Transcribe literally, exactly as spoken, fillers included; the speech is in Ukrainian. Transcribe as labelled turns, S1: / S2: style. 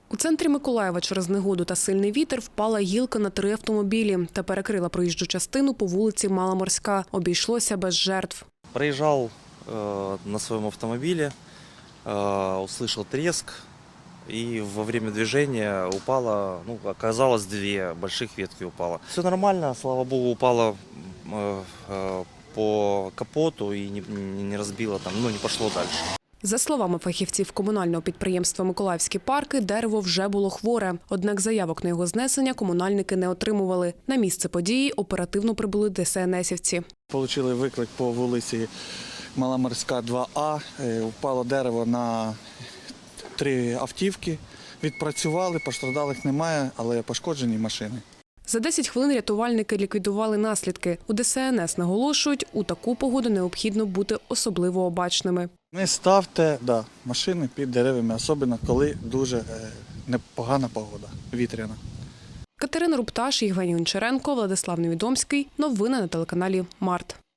S1: У центрі Миколаєва через негоду та сильний вітер впала гілка на три автомобілі та перекрила проїжджу частину по вулиці Маломорська. Обійшлося без жертв.
S2: Проезжал э, на своем автомобиле, э, услышал треск, и во время движения упало, ну, оказалось, две больших ветки упало. Все нормально, слава богу, упало э, э, по капоту и не, не разбило там, ну, не пошло дальше.
S1: За словами фахівців комунального підприємства «Миколаївські парки», дерево вже було хворе. Однак заявок на його знесення комунальники не отримували. На місце події оперативно прибули ДСНСівці.
S3: Получили виклик по вулиці Маломорська, два А. Впало дерево на три автівки. Відпрацювали, постраждалих немає, але пошкоджені машини.
S1: За десять хвилин рятувальники ліквідували наслідки. У ДСНС наголошують, у таку погоду необхідно бути особливо обачними.
S3: Не ставте да, машини під деревами, особливо коли дуже е, непогана погода, вітряна.
S1: Катерина Рупташ, Євгеній Гончаренко, Владислав Невідомський. Новини на телеканалі Март.